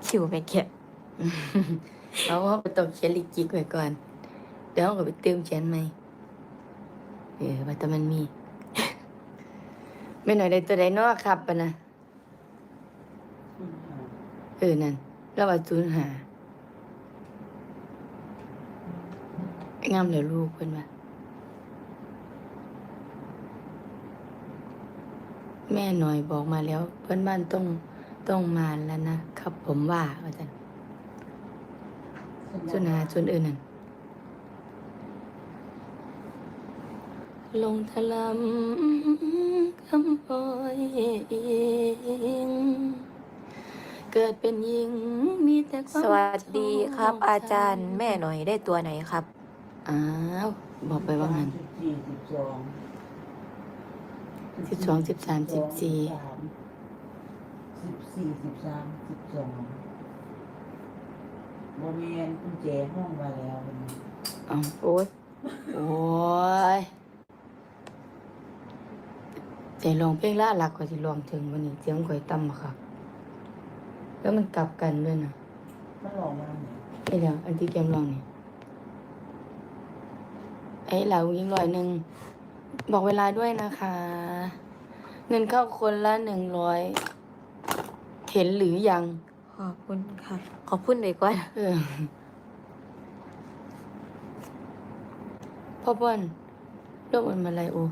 คิวไม่เก็บเอาว่าไปต้องเขียนลิจิกไว้ก่อนเดี๋ยวเราก็ไปเติมเขียนใหม่ว่าแต่มันมี ไม่หน่อยได้ตัวใดเนาะครับปะนะนั่นแล้วว่า05งามเหลือลูกเพิ่นว่าแม่หน่อยบอกมาแล้วเพื่อนบ้านต้องมาแล้วนะครับผมว่าอาจารย์ส่วนอื่นนั่นลงทะลำคำปอยเองเกิดเป็นหญิงมีแต่ความสวัสดีครับ อาจารย์แม่หน่อยได้ตัวไหนครับอ้าวบอกไปว่างั้น12 13 14 14 13 12โมเมนกุญแจห้องมาแล้วโอ้ยใจลองเพลงล่าหลักกว่าที่ลองถึงวันนี้เสียงข่อยต่ำอะค่ะแล้วมันกลับกันด้วยนะมันหลอกมาเนี่ยไอ้เดี๋ยวอันที่แกมลองนี่ไอ้เหล่ายิง100บอกเวลาด้วยนะคะ เงินเข้าคนละ100เห็นหรือยังขอบคุณค่ะ ขอบคุณเลยก่อนพ่อเปิ้ลโลกมันมาไรโอ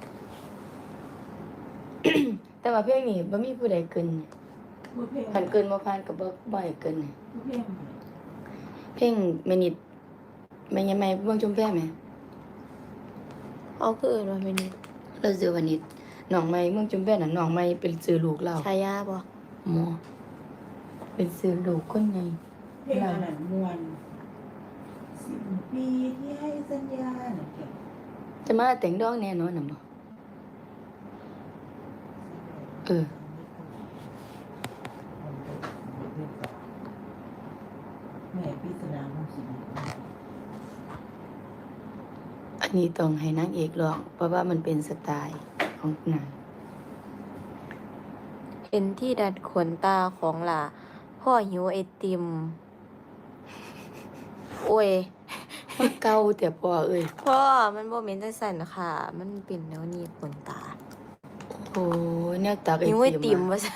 แต่ว่าเพลงนี้บ่มีผู้ใดเกินเนี่ยมือเพลงผ่านเกินบ่ผ่านกับบ่ให้เกินเนี่ยมือเพลงเพลงแม่นิดแม่ยังไม่เบิ่งชมแพ้ไหมเอาคืออื่นมาเป็นเราซื้อวันนิดน้องใหม่เมืองชมแพ้น่ะน้องใหม่เป็นซื้อลูกเราชายาบ่หมอเป็นซื้อลูกคนใหญ่เพลงอันนั้นมวน10 ปีที่ให้สัญญาน่ะแกจะมาแต่งดอกแน่นอนน่ะบ่แม่ปริศนาของชีวิตอันนี้ต้องให้นางเอกร้องเพราะว่ามันเป็นสไตล์ของนางเห็นที่ดัดขนตาของหล่าพ่อหิวไอติม โอ้ยมันเก่าแต่พ่อเอ้ยพ่อมันบ่เหม็นจังซั่นค่ะ มันเป็นแนวนี้ขนตาโอ้ยแนวตักไอหิวไอติติมมว่าซั่น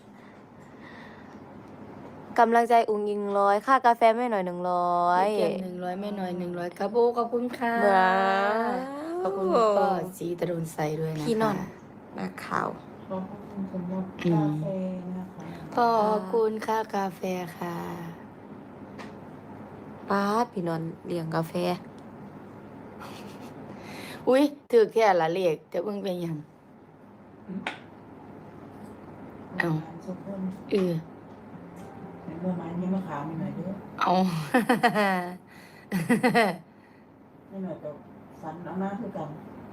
กำลังใจอุ้งยิง100ค่ากาแฟแม่หน่อย 100 100 เก็บ100แม่น้อย100ครับโอ้ขอบคุณค่ะว้าวขอบคุณคุณพ่อสีตะรุนใสด้วยนะคะพี่นอนนักข่าวขอบคุณสำหรับกาแฟนะคะขอบคุณค่ากาแฟค่ะป้าดพี่นอนเลี้ยงกาแฟอุ้ยถือแค่ละเลขแต่เบิ่งเป็นหยัง เอาสมบูรณ์เออเห็นเมื่อไม้นี่มะขามมีหน่อยเด้อเอานี่หน่อยกับสันเอาหน้าคือกัน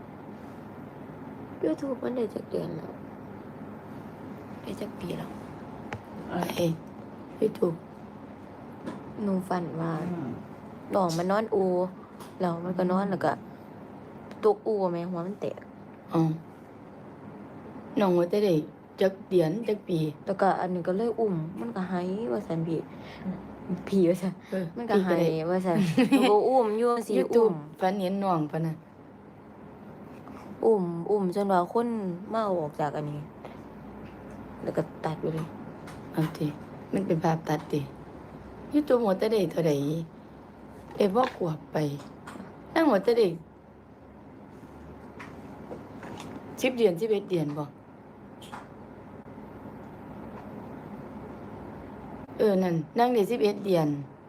YouTube มันได้จักเดือนแล้วได้จักปีแล้วไอ้ไม่ถูกหนูฝันว่าน้องมันนอนอูแล้วมันก็นอนแล้วก็ตกอูแม่หัวมันแตกอ๋อน้องว่าจะได้จักเดือนจักปีแล้วก็อันนี้ก็เลยอุ้มมันก็หายว่าซั่นพี่ว่าซั่นเออมันก็หายปีได้ว่าซั่นหนูก็อุ้มอยู่สิยูทูอุ้บมฝันเห็นน้องปะนะอุ้มจนว่าคนมาเอาออกจากอันนี้ แล้วก็ตัดไปเลยเอาติมันเป็นภาพตัดติยูทูบหมดจะได้เท่าใดได้บ่กวบไปนั่งหมดจะได้10 เดือน11 เดือนบ่นั่นนั่งได้11 เดือน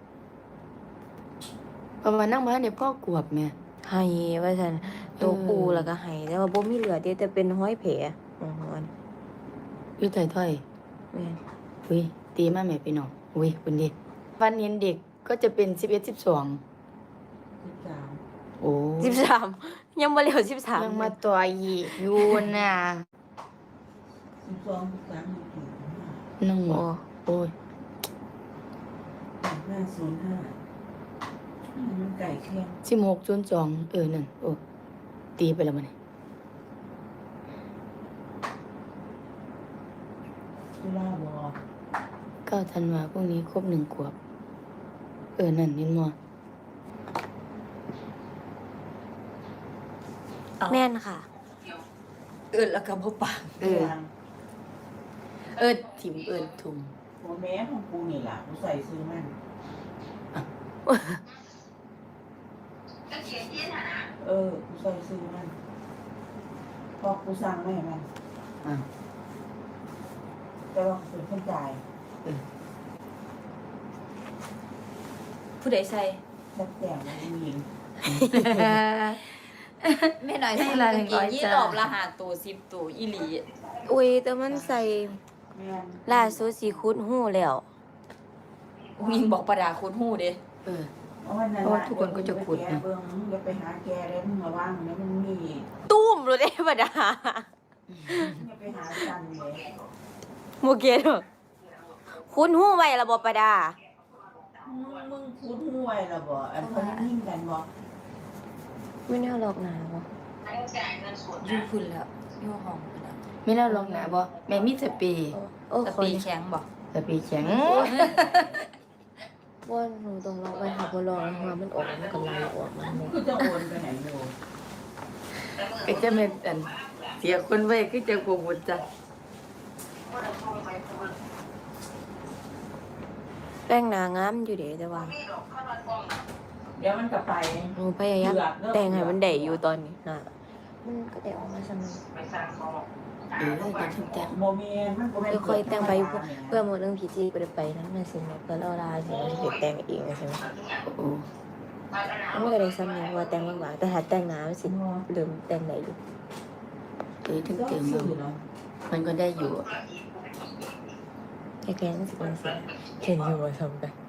ประมาณนั่งมาเนี่ยพ่อกวบแม่หายว่าซั่นตกอูแล้วก็หายแต่ว่าบ่มีเลือดเด้แต่เป็นห้อยแผลอ๋ออยู่ไทยถ้อยแม่นอุ้ยตีมาแม่พี่น้องอุ้ยคุณดิวันเห็นเด็กก็จะเป็น11 12 13 โอ้ 13ยังบ่เร็ว13 ยังมาต่ออีกอยู่น่ะ 12 13 14 น้องโอ้โอ้ย 505มันไก่เคียง 1602นั่นโอ้ตีไปแล้วมันจุฬาบอก็ 19 ธันวาพรุ่งนี้ครบ1 ขวบนั่นเห็นบ่แม่นค่ะแล้วก็บ่ปากถิ่มทุ่มโมแม่ของกูนี่ล่ะกูใส่ซื้อมันกูใส่ซื้อมันพอกูสั่งไม่มันอ่ะแต่ว่าเป็นคนจ่ายผู้ใดใส่จัดแต่งมันยิงแม่หน่อยให้ซื้อละกางเกง 100 ยี่จ้ารอบละ5ตัว10ตัวอีหลีอุ้ยแต่มันใส่แม่นล่าสุดสิคุดหู้แล้ววิงบอกประดาคุณฮู้เด้เอาวันนั้นเพราะว่าทุกคนก็จะขุดแกนะเบิ่งอย่าไปหาแกแล้วมึงระวังแล้วมันมีตุ้มรู้ได้บ่ดาอย่าไปหาจันเลยโมเกตคุณหู้ไว้ระบบประดามึงพูดห่วยละบ่อันเขานิ่งกันบ่ไม่แน่หรอกหนาวอยู่พุ่นแล้วอยู่ห้องพุ่นแล้วไม่น่าลองหนาบ่แม่มีสเปรย์โอ้แต่คนปีแข็งบ่สเปรย์แข็งว่าหนูต้องลองไปหาพอลองหัวมันออกมันก็ไหลออกมาหมดคือจะโอนไปไหนอยู่ก็จะไม่เสียคนไว้คือจะกลัวหมดจ้ะแป้งหนางามอยู่เด้แต่ว่าเดี๋ยวมันก็ไปหนูพยายามแต่งให้มันได้อยู่ตอนนี้นะมันก็ได้ออกมาสนุกก็ถึงแต่งโมเมนมันก็ไม่ค่อยๆแต่งไปเพื่อหมดเรื่องพีจีไปไปนั้นมาสิแม่เพื่อเราลาสิเด็กแต่งเองใช่ไหมโอ้มันก็ได้ซ้ำเนี่ยว่าแต่งบางๆแต่ถ้าแต่งหนาสิเริ่มแต่งได้อยู่ถึงก็เติมสื่อเนาะมันก็ได้อยู่แค่ๆนั่นสิเป็นสิเห็นอยู่ว่าทำกัน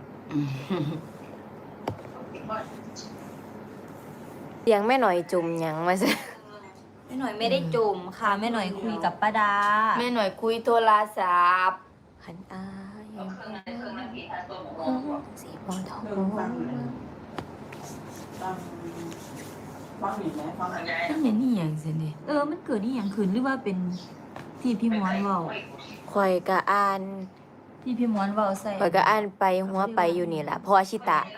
เสียงแม่หน่อยจุ่มหยังมาซะแม่หน่อยไม่ได้จุ่มค่ะแม่หน่อยคุยกับป้าดาแม่หน่อยคุยโทรศัพท์ขันอายสีพอทองเรื่องฟังเลยฟังฟังอยู่ไหมฟังอะไรนั่นเนี่ยนี่อย่างสิเนี่ยมันเกิดนี่อย่างคืนหรือว่าเป็นที่พี่ม้วนเว้าข่อยกะอ่านที่พี่ม้วนเว้าใส่ข่อยกะอ่านไปหัวไปอยู่นี่แหละเพราะอาชิตะ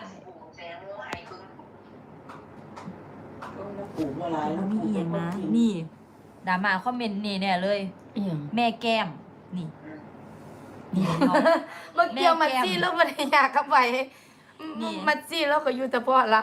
ปลูกอะไรแล้วมีอีหยังนะนี่ดราม่าคอมเมนต์นี่แน่เลยอีหยังแม่แก้มนี่นี่เนาะเมื่อกี้มัดซี่แล้วมันอยากเข้าไปนี่มัดซี่แล้วก็อยู่แต่พ่อเรา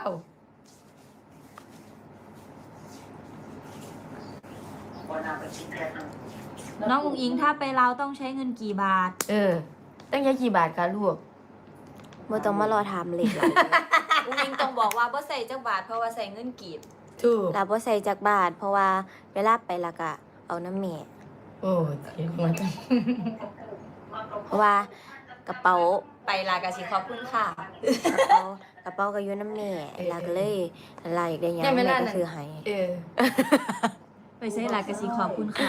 น้องอุ๋งอิงถ้าไปเราวต้องใช้เงินกี่บาทตั้งใช้กี่บาทคะลูกบ่ต้องมารอถามเลขหลายอุ๋งอิงต้องบอกว่าบ่ใส่จักบาทเพราะว่าใส่เงินกีบถูกแล้วบ่ใส่จักบาท เพราะว่าเวลาไปและกะเอาน้ำแม่โอ้เทียงมาตั้งเพราะว่ากระเป๋าไปลากะสิขอบคุณค่ะกระเป๋าก็อยู่น้ำแม่แล้วก็เลยลาอยากได้หยังเนี่ยเวแม่ลาก็นั้นซื้อให้ไปใช้ลากะสิขอบคุณค่ะ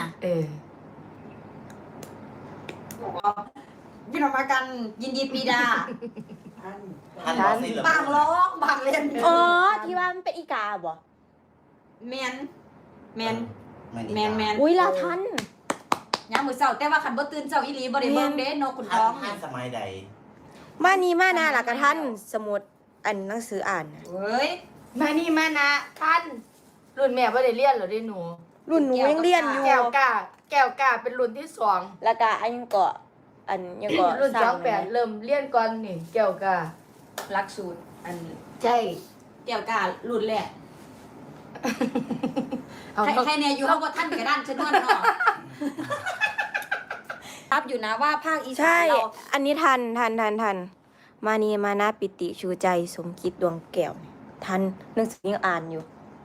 พี่น้องมากันยินดีปีดาท่านบางร้องบางเล่นอ๋อที่ว่ามันเป็นอีกาบ่แมนแมนอุ้ยลาทันยามมื้อเช้าแต่ว่าคันบ่ตื่นเช้าอีหลีบ่ได้เบิ่งเด้นกขุนท่าท้องนสมัยใดมานี่มานาล่ะกะทันสมุดอันหนังสืออ่านน่ะเฮ้ยมานี่มานะท่านรุ่นแม่ไม่ได้เรียนหรอได้หนูรุ่นหนูยังเรียนอยู่แก้วกาเป็นรุ่นที่ 2 แล้วก็อันยังเกาะอันยังเกาะรุ่นสร้าง 28เริ่มเรียนก่อนนี่แก้วกาหลักสูตรอันใช่แก้วการุ่นแรกเอาใครเนี่ยอยู่เฮาบ่ทันกระด้านชะนวนเนาะรับอยู่นะว่าภาคอีสาใช่นเราอันนี้ทันมานีมานะปิติชูใจสมคิดดวงแก้วทันหนังสือยังอ่านอยู่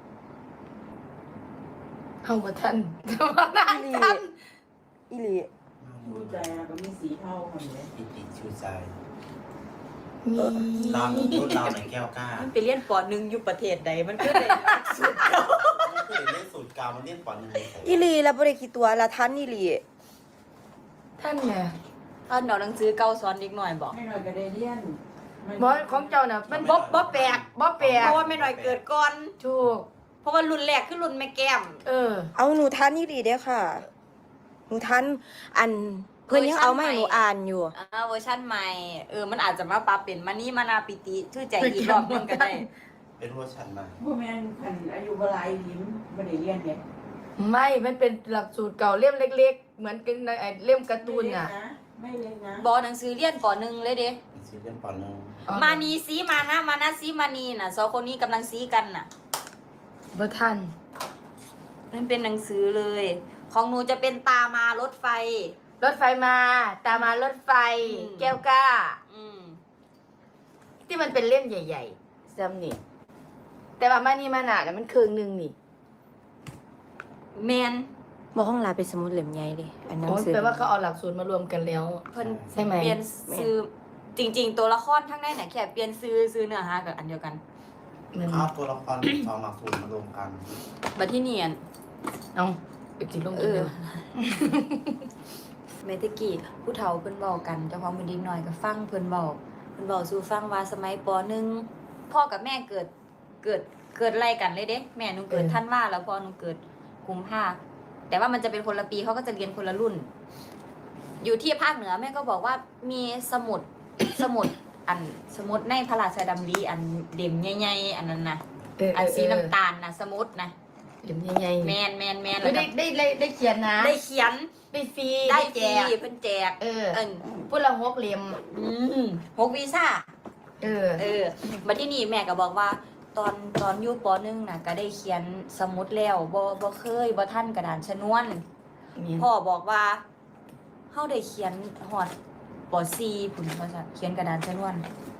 เอามาท่านท่านอีหลีรู้ใจแล้วก็มีสีเท่ากันเลยปิติชูใจมีเรารุ่นเราในแก้วกล้ามันไปเรียนป .1 อยู่ประเทศใดมันคือได้มันคือเล่นสูตรกาวมันเล่นปอนหนึ่งเลยอีหลีแล้วบ่ได้คิดตัวละทันอีหลีท่านไงเอาหนังสือเก่าสอนเด็กน้อยบอกไม่หน่อยก็ได้เรียนบอสของเจ้าน่ะมันบ่แปลกเพราะว่าแม่น้อยเกิดก่อนถูกเพราะว่ารุ่นแรกคือรุ่นแม่แก้มเออเอาหนูทันอีหลีเด้อค่ะ หนูทันอันเพิ่นยังเอามาให้หนูอ่านอยู่เวอร์ชันใหม่มันอาจจะมาปรับเป็นมานี่มานาปิติชื่อใจอีกรอบหนึงก็ได้เป็นเวอร์ชันใหม่พวกแม่นคันอายุบหลายยิ้มบ่ได้เรียนเนี่ยไม่ มันเป็นหลักสูตรเก่าเล่มเล็กๆ เหมือนกันในไอ้เล่มการ์ตูนน่ะไม่เล็กนะบอหนังสือเรียนป .1 เลยเด้ซีเรียนปหนึ่งมานีซีมานะมานะซีมานีน่ะสองคนนี้กำลังซีกันน่ะบ่ทันมันเป็นหนังสือเลย ของหนูจะเป็นตามารถไฟรถไฟมา ตามมารถไฟอืมแก้วกล้าอืมที่มันเป็นเล่มใหญ่ๆซ้ำนี่ แต่ว่ามานี่มาน่ะมันครึ่งหนึงนี่แมนบ่ห้องลาเป็นสมุดเล่มใหญ่เลยอันหนังโอ้ยสือแปลว่าเขาเอาหลักสูตรมารวมกันแล้วเพิ่นใช่ไหมเปลี่ยนซื้อจริง ๆ ตัวละครทั้งในเนี่ยแค่เปลี่ยนซื้อเนื้อหากับอันเดียวกันมันเอาตัวละครสองหลักสูตรมารวมกันบัดที่เนียนเอาไปจิลงกันเดียวเมตะกี้ผู้เฒ่าเพิ่นเว้ากันเจ้าของเป็นเด็กน้อยก็ฟังเพิ่นเว้าสู่ฟังว่าสมัยป .1 พ่อกับแม่เกิดไล่กันเลยเด้แม่หนูเกิดธันวาแล้วพ่อหนูเกิดกุมภาแต่ว่ามันจะเป็นคนละปีเขาก็จะเรียนคนละรุ่น อยู่ที่ภาคเหนือแม่ก็บอกว่ามีสมุด สมุดในพระราชดำริอันเด่มใหญ่ๆอันนั้นนะอันสีน้ำตาลนะสมุดนะเล่มใหญ่ๆแมนเอแล้วอก็ได้เขียนนะได้เขียนได้ฟรีได้แจฟรีกเพิ่นแจกเออเอิ้นพูดละ6เล่ม 6วีซ่าเออมาที่นี่แม่ก็บอกว่า ตอนอยู่ป .1 น่ะก็ได้เขียนสมุดแล้วบ่เคยบ่ทันกระดานชนวน พ่อบอกว่าเฮาได้เขียนฮอดป .4 พุ่นว่าซั่นเขียนกระดานชนวน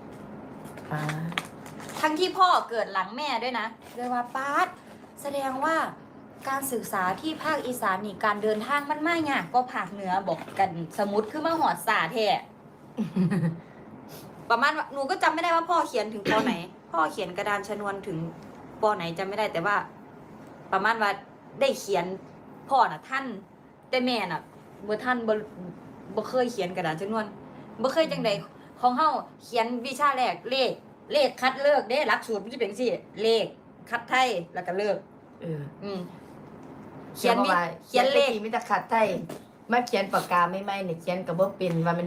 ทั้งที่พ่อเกิดหลังแม่ด้วยนะเลยว่าป๊าดแสดงว่าการศึกษาที่ภาคอีสานนี่การเดินทางมันไม่ยากก็ภาคเหนือบอกกันสมุดคือมาหอดสาแท้ ประมาณว่าหนูก็จำไม่ได้ว่าพ่อเขียนถึงปไหน พ่อเขียนกระดานชนวนถึงปไหนจำไม่ได้แต่ว่า ประมาณว่าได้เขียนพ่อน่ะท่านแต่แม่น่ะเมื่อท่านบ่เคยเขียนกระดานชนวนบ่เคยจังใดของเฮาเขียนวิชาแรกเลขคัดเลิกเด้หลักสูตรมันจะเป็นจังซี่เลขคัดไทยแล้วก็เลิกเออเขียนเลขมีแต่ขัดไทยมาเขียนปากกาไม่ไหมเนี่ยเขียนกับบ่เป็นว่ามัน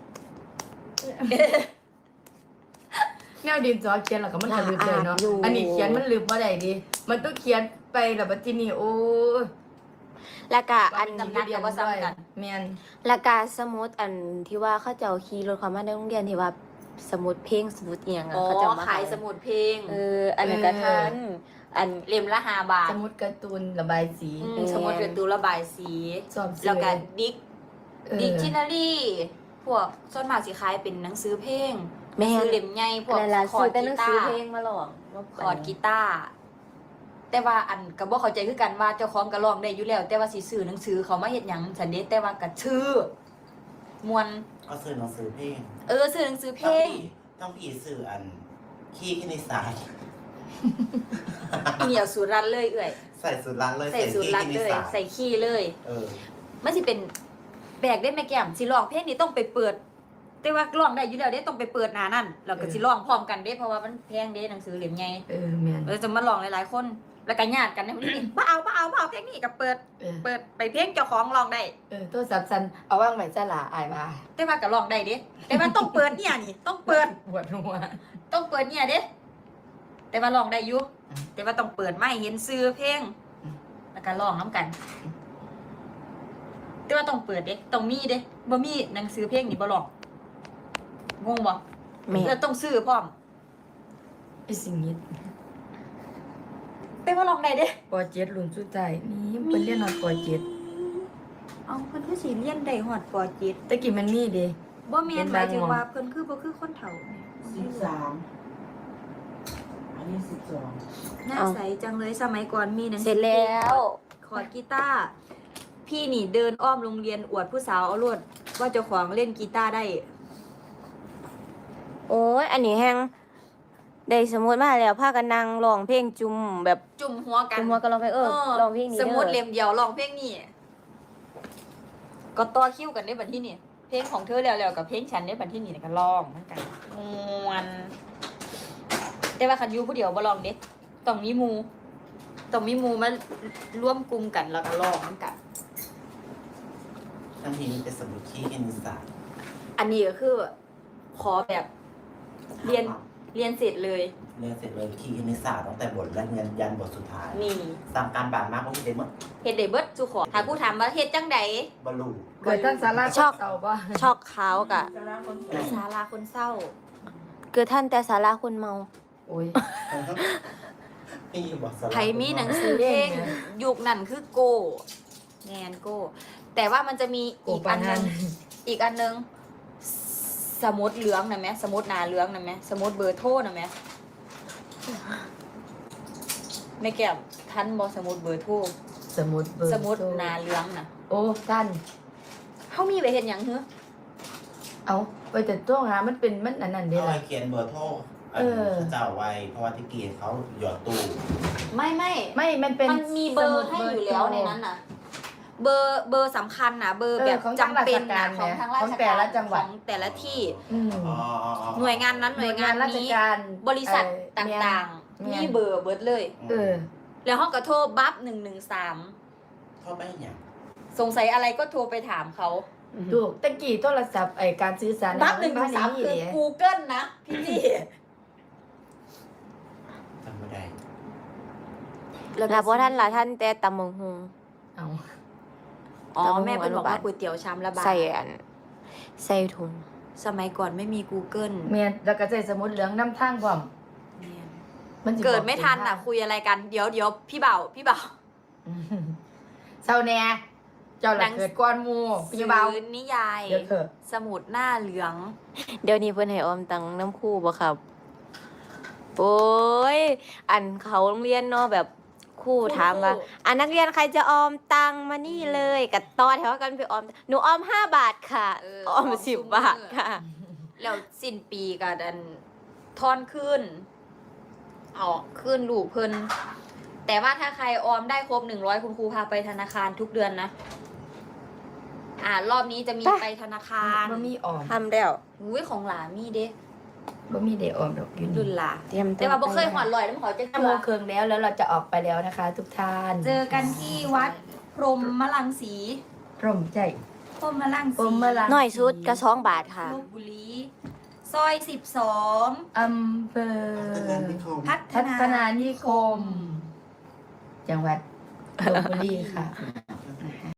แนวดินสอเขียนแล้วก็มันก็ลืมเลยเนาะอันนี้เขียนมันลืมบ่ได้ดิมันต้องเขียนไปแล้วบัดทีนี้โอ้ยแล้วก็อันจำกัดกับว่าซ้ำกันแม่นแล้วก็สมุดอันที่ว่าเขาเจ้าขี่รถเข้ามาในโรงเรียนที่ว่าสมุดเพลงสมุดเอียงอ่ะอ๋อเขาเจ้ามาขายสมุดเพลงอันนั้นก็ทันอันเล่มละ5 บาทสมุดการ์ตูนระบายสีสมุดเป็นตัวระบายสีชอบซื้อแล้วก็ดิกเออดิกชินารีพวกส่วนมากสิขายเป็นหนังสือเพลงแม่ซื้อเล่มใหญ่พวกอะไรล่ะคอซื้ร์อดแต่หกีนังตาสือร์เพลงมาหรอกคอร์ดกีตาร์แต่ว่าอันก็บ่เข้าใจคือกันว่าเจ้าของก็ร้องได้อยู่แล้ว แต่ว่าสิซื้อหนังสือเขามาเฮ็ดหยังสันเด้แต่ว่าก็ชื่อมวนก็ซื้อหนังสือเพลงซื้อหนังสือเพลงต้องพี่ซื้ออันขี้คณิตศาสตร์อีเหนียวสูตรรันเลยเอื่อยใส่สูตรลัดเลยใส่สูตรรันขี้คณิเลตยศาสตร์ใส่ขี้เลยเออมันสิเป็นแบกได้แม่แก้มสิร้องเพลงนี้ต้องไปเปิด แต่ว่าร้องได้อยู่แล้วเด้ต้องไปเปิดหน้านั่นแล้วก็สิร้องพร้อมกันเด้เพราะว่ามันแพงเด้หนังสือเล่มใหญ่เออแม่นเราจะมาร้องหลายๆคน แล้วก็ญาติกันนะมันนี่บ่เอาเพลงนี้ก็เปิดเออเปิดไปเพลงเจ้าของร้องได้โทรศัพท์สั่นเอาว่างไว้ซะล่ะอายว่าแต่ว่าก็ร้องได้เด้แต่ว่าต้องเปิดเนี่ยนี่ต้องเปิดปวดหัวต้องเปิดเนี่ยเด้แต่ว่าร้องได้อยู่แต่ว่าต้องเปิดไม่เห็นซื้อเพลงแล้วก็ร้องน้ำกัน แต่ว่าต้องเปิดเด้ต้องมีเด้บ่มีหนังสือเพลงนี่บ่ร้องงงบ่แม่แล้วต้องซื้อพร้อมไอ้สิ่งนี้แต่ว่าร้องได้เด้ปอ7รุ่นสุดท้ายนี่เพิ่นเรียนฮอดปอ7 เอาเพิ่นคือสิเรียนได้ฮอดป .7 ตะกี้มันมีเด้บ่แม่นหมายถึงว่าเพิ่นคือบ่คือคนเฒ่า 13อันนี้12 หน้าใสจังเลยสมัยก่อนมีหนังเสร็จแล้วคอร์ดกีตาร์พี่นี่เดินอ้อมโรงเรียนอวดผู้สาวเอารวดว่าเจ้าของเล่นกีตาร์ได้โอ้ยอันนี้แฮงได้สมุดมาแล้วพากันนั่งร้องเพลงจุ่มแบบจุ่มหัวกันจุ่มหัวกันร้องเพลงร้องเพลงนี้สมุดด้อเล่มเดียวร้องเพลงนี่ก็ต่อคิวกันได้บัดที่นี่เพลงของเธอแล้วๆกับเพลงฉันได้บัดที่นี่ก็ร้องเหมือนกันม่วนแต่ว่าคันอยู่ผู้เดียวบ่ร้องเด้ต้องมีหมู่มาร่วมกลุ่มกันแล้วก็ร้องเหมือนกันใครทั้งทีมันเป็นสมุดขี้คณิตศาสตร์อันนี้ก็คือ ขอแบบเรียนเสร็จเลยเรียนเสร็จเลยขี้คณิตศาสตร์ตั้งแต่บทแรกยันบทสุดท้ายนี่ตามการบ้านมากก็ไม่ได้หมดเฮ็ดได้เบิดสุขอถ้ากูถามว่าเฮ็ดจังใดบรรลุเกิดท่านสาราชอบเต่าป่ะช็อกเขากะสาระคนสวเกิยดศาลาคนเศร้าเกิดท่านแต่สาราคนเมาโอ้ยนี่บอกสลับไผมีหนังสือเพลงยุคนั้นคือโกแงนโก แต่ว่ามันจะมีอีกอันนึงอีกอันนึงสมุดเหลืองนะแม่สมุดหนาเหลืองนะแม่สมุดเบอร์โทรนะแม่แม่แก้มทันบอสมุดเบอร์โทรสมุดเบอร์สมุดหนาเหลืองนะโอ้ท่านเขามีไปเห็นอย่างเฮ้อเอาไปแต่ตัวหามันเป็นมันอันนั้นเด้เอาล่ะไว้เขียนเบอร์โทรอันเออเจ้าไว้เพราะว่าที่กีเขาหยอดตู้ไม่ไม่มันเป็นมันมีเบอร์ให้อยู่แล้วในนั้นน่ะ เบอร์สำคัญนะเบอร์แบบจำเป็นนะของทางราชของแต่การละจังหวัดของแต่ละที่อืมอ๋ออ๋ออ๋อหน่วยงานนั้นหน่วยงานราชนี้การบริษัทตเอ่อ่างแม่ๆนมีเบอร์เบิร์ดเลยเออแล้วห้องก็โทรบัฟ113 เข้าไปอย่างสงสัยอะไรก็โทรไปถามเขาถูกตะกี้โทรศัพท์การสื่อสารบัฟมันบ่ได้ 113คือเด้ Google นะพี่จำไม่ได้แล้วพอท่านละท่านแต่ตำมงฮงเอาอ๋อตำบักหุ่งแม่เป็นบอกว่าอนุบาลก๋วยเตี๋ยวชามละบาทใส่อันใส่ถุงสมัยก่อนไม่มี Google เมียนแล้วก็ใส่สมุดเหลืองนำทางพร้อมมันสิเกิดไม่ทันบอ่ะอกคุยอะไรกัน เดี๋ยวพี่เบาอืมเศร้าแน่เจ้าละเกิดก่อนหมู่พี่เบาซื้อนิยายเดี๋ยวเถอะสมุดหน้าเหลืองเดี๋ยวนี้เพิ่นให้ออมตังน้ำคู่บ่ครับ โอ้ย อันเขาโรงเรียนเนาะแบบครู่ถามว่า อันนักเรียนใครจะออมตังมานี่เลยกับต่อแถวกันไปออม หนูออม5 บาทค่ะเออออมออม 10 ซุมื้อบาทค่ะแล้วสิ้นปีก็ดันทอนขึ้นเอาขึ้นลูกเพิ่นแต่ว่าถ้าใครออมได้ครบ100คุณครูพาไปธนาคารทุกเดือนนะ รอบนี้จะมีไปไปธนาคารบ่มีออมทำแล้วอุ้ยของหลามีเด้บ่มีได้ออมดอกอยู่ดุนี่ลหลาเตรียมแต่ว่าบ่เคยหอดลอยแล้วมันเขาจะชั่วโมงครึ่งแล้วเราจะออกไปแล้วนะคะ ทุกท่านเจอกันที่วัดพรหมมลังสีร่มใจพรหมมลังพรสีหมลังน้อยสุดก็2 บาทค่ะลพบุรีซอย12 อำเภอพัพัฒนานิคม จังหวัดลพบุรีค่ะ